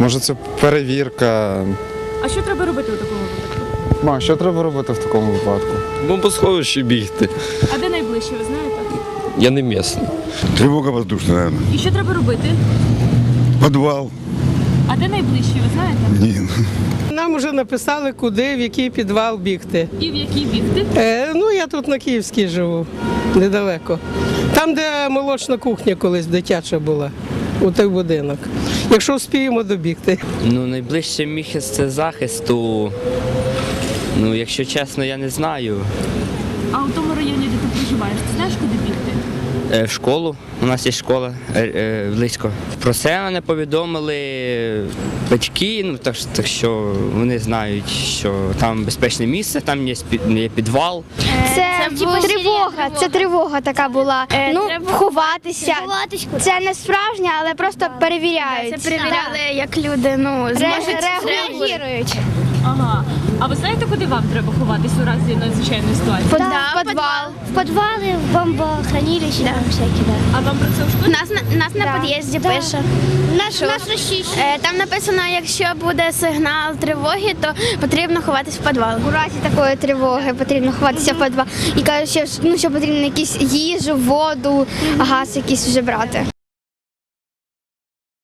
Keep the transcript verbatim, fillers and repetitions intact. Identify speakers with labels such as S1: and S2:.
S1: Може це перевірка.
S2: А що треба робити у такому випадку?
S1: Ма, що треба робити в такому випадку?
S3: Бомбосховище бігти.
S2: А де найближче, ви знаєте?
S3: Я не місний.
S4: Тревога воздушная, наверное.
S2: І що треба робити?
S4: Подвал.
S2: А де найближче, ви знаєте?
S4: Ні.
S5: Нам вже написали, куди, в який підвал бігти.
S2: І в який бігти?
S5: Е, ну, я тут на Київській живу, недалеко. Там, де молочна кухня колись дитяча була, у той будинок. Якщо вспіємо добігти.
S6: Ну, найближче місце захисту, ну, якщо чесно, я не знаю.
S2: А у тому районі, де ти проживаєш, ти знаєш, куди бігти?
S6: Е, В школу, у нас є школа е, е, близько. Про це мене повідомили батьки, ну, так, що- так що вони знають, що там безпечне місце, там є, спі- є підвал.
S7: Це, тривога, це тривога така була. ну, ховатися. Це не справжня, але просто перевіряють.
S8: Це перевіряли, як люди ну, зможуть
S7: Реагують.
S2: Ага. А ви знаєте, куди вам треба ховатись у разі надзвичайної ситуації?
S7: Да, в підвал.
S8: В підвали, в бомбохранилищі, да. там всякі, да.
S2: А вам про це в школі?
S8: Нас, на- нас на
S7: Да.
S8: під'їзді
S7: Да.
S8: пише.
S7: Нас,
S8: Що?
S7: нас розчищують.
S8: Е, Там написано, якщо буде сигнал тривоги, то потрібно ховатись в підвал.
S7: У разі такої тривоги потрібно ховатися в підвал. І кажуть, що, ну, що потрібно якісь їжу, воду, газ якийсь вже брати.